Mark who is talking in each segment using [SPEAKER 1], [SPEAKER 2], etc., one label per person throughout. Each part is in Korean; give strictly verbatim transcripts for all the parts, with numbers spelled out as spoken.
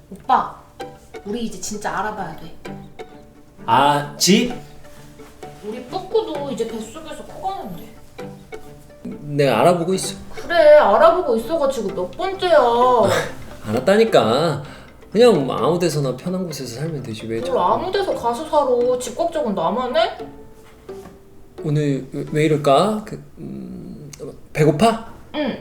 [SPEAKER 1] 오빠, 우리 이제 진짜 알아봐야 돼.
[SPEAKER 2] 아, 집?
[SPEAKER 1] 우리 뿌꾸도 이제 뱃속에서 커가는데.
[SPEAKER 2] 내가 알아보고 있어.
[SPEAKER 1] 그래, 알아보고 있어가지고 몇 번째야.
[SPEAKER 2] 알았다니까. 그냥 뭐 아무 데서나 편한 곳에서 살면 되지 왜
[SPEAKER 1] 뭘
[SPEAKER 2] 저...
[SPEAKER 1] 아무 데서 가서 살아. 집 걱정은 나만 해?
[SPEAKER 2] 오늘 왜, 왜 이럴까? 그, 음, 배고파?
[SPEAKER 1] 응.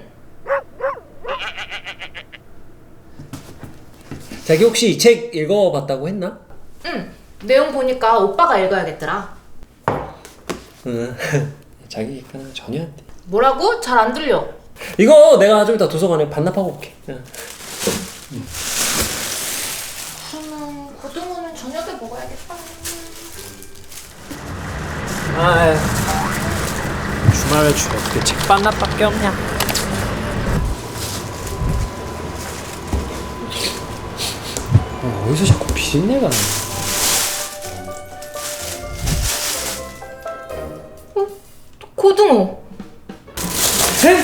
[SPEAKER 2] 자기 혹시 이 책 읽어봤다고 했나?
[SPEAKER 1] 응. 내용 보니까 오빠가 읽어야겠더라.
[SPEAKER 2] 응. 자기 그냥 전혀 안 돼.
[SPEAKER 1] 뭐라고? 잘 안 들려.
[SPEAKER 2] 이거 내가 좀 이따 도서관에 반납하고 올게. 응.
[SPEAKER 1] 그러면 고등어는 저녁에 먹어야겠다.
[SPEAKER 2] 아유. 주말에 주로 어떻게 책 반납밖에 없냐? 어, 어디서 자꾸 비린내가 나?
[SPEAKER 1] 고등어.
[SPEAKER 2] 에?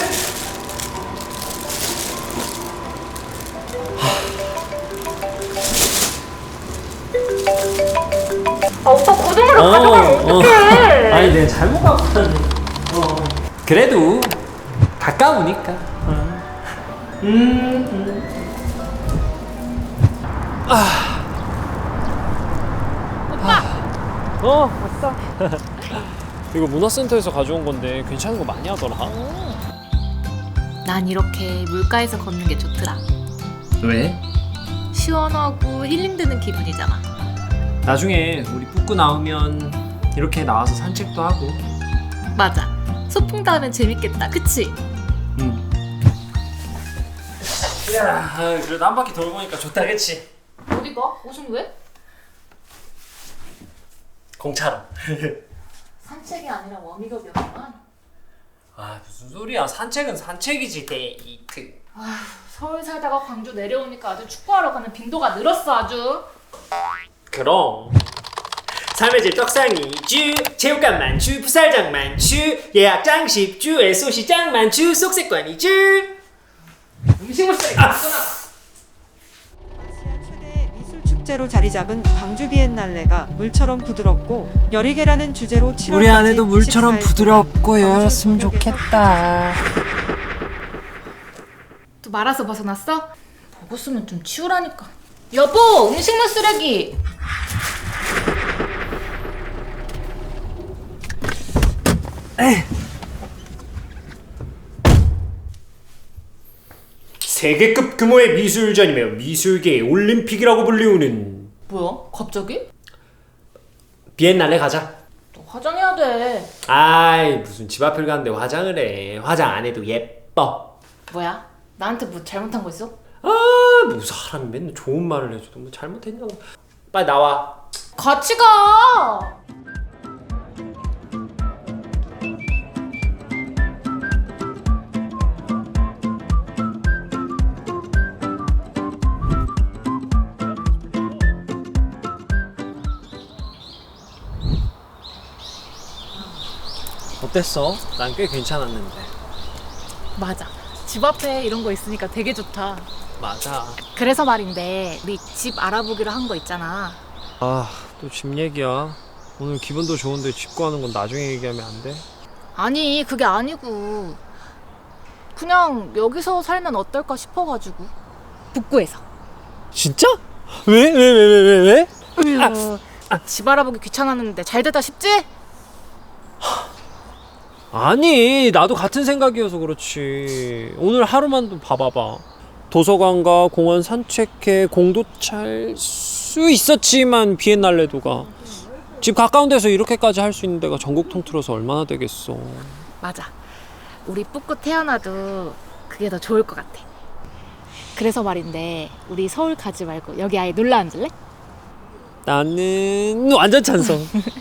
[SPEAKER 1] 아, 오빠 고등어를
[SPEAKER 2] 어,
[SPEAKER 1] 가져가면
[SPEAKER 2] 어.
[SPEAKER 1] 어떡해.
[SPEAKER 2] 아니 내가 잘못 갖고 왔네. 어. 그래도 가까우니까. 어. 음, 음. 아.
[SPEAKER 1] 오빠.
[SPEAKER 2] 어, 왔어. 이거 문화센터에서 가져온 건데 괜찮은 거 많이 하더라.
[SPEAKER 1] 난 이렇게 물가에서 걷는 게 좋더라.
[SPEAKER 2] 왜?
[SPEAKER 1] 시원하고 힐링되는 기분이잖아.
[SPEAKER 2] 나중에 우리 뿌꾸 나오면 이렇게 나와서 산책도 하고.
[SPEAKER 1] 맞아. 소풍도 하면 재밌겠다. 그치?
[SPEAKER 2] 응. 야, 그래도 한 바퀴 돌고 오니까 좋다, 그치?
[SPEAKER 1] 어디 가? 옷은 왜?
[SPEAKER 2] 공차로.
[SPEAKER 1] 산책이 아니라 워밍업이었구만.
[SPEAKER 2] 아, 무슨 소리야? 산책은 산책이지, 데이트.
[SPEAKER 1] 아휴, 서울 살다가 광주 내려오니까 아주 축구하러 가는 빈도가 늘었어 아주.
[SPEAKER 2] 그럼. 삶의 질 떡상이 주, 체육관 만추, 풋살장 만추, 예약장 십주, 에스오씨장 만추, 속세권이 주. 음식물 쓰레기 아!
[SPEAKER 3] 아시아 최대 미술 축제로 자리 잡은 광주 비엔날레가 물처럼 부드럽고 열이개라는 주제로 칠월까지
[SPEAKER 4] 우리 안에도 물처럼
[SPEAKER 3] 이십사 일
[SPEAKER 4] 부드럽고
[SPEAKER 3] 동안
[SPEAKER 4] 열었으면 좋겠다.
[SPEAKER 1] 또 말아서 벗어났어? 보고 쓰면 좀 치우라니까. 여보, 음식물 쓰레기.
[SPEAKER 2] 세계급 규모의 미술전이며 미술계의 올림픽이라고 불리우는
[SPEAKER 1] 뭐야? 갑자기?
[SPEAKER 2] 비엔날레 가자.
[SPEAKER 1] 너 화장해야 돼.
[SPEAKER 2] 아이, 무슨 집 앞을 가는데 화장을 해. 화장 안 해도 예뻐.
[SPEAKER 1] 뭐야? 나한테 뭐 잘못한 거 있어?
[SPEAKER 2] 아, 뭐 사람이 맨날 좋은 말을 해줘도 뭐 잘못했냐고. 빨리 나와.
[SPEAKER 1] 같이 가.
[SPEAKER 2] 어땠어? 난 꽤 괜찮았는데.
[SPEAKER 1] 맞아. 집 앞에 이런 거 있으니까 되게 좋다.
[SPEAKER 2] 맞아.
[SPEAKER 1] 그래서 말인데 우리 집 알아보기로 한 거 있잖아.
[SPEAKER 4] 아, 또 집 얘기야. 오늘 기분도 좋은데 집 구하는 건 나중에 얘기하면 안 돼?
[SPEAKER 1] 아니, 그게 아니고 그냥 여기서 살면 어떨까 싶어가지고. 북구에서.
[SPEAKER 4] 진짜? 왜? 왜? 왜? 왜? 왜? 왜?
[SPEAKER 1] 으유, 집 알아보기 귀찮았는데 잘 되다 싶지?
[SPEAKER 4] 아니, 나도 같은 생각이어서 그렇지. 오늘 하루만 좀 봐봐봐. 도서관과 공원 산책해 공도 찰 수 있었지만 비엔날레도가 집 가까운 데서 이렇게까지 할 수 있는 데가 전국 통틀어서 얼마나 되겠어.
[SPEAKER 1] 맞아. 우리 뿌꾸 태어나도 그게 더 좋을 것 같아. 그래서 말인데 우리 서울 가지 말고 여기 아예 놀러 앉을래?
[SPEAKER 4] 나는 완전 찬성.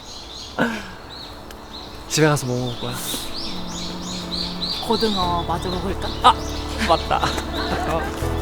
[SPEAKER 4] 집에 가서 뭐 먹을 거야?
[SPEAKER 1] 고등어 마저 먹을까?
[SPEAKER 4] 맞다.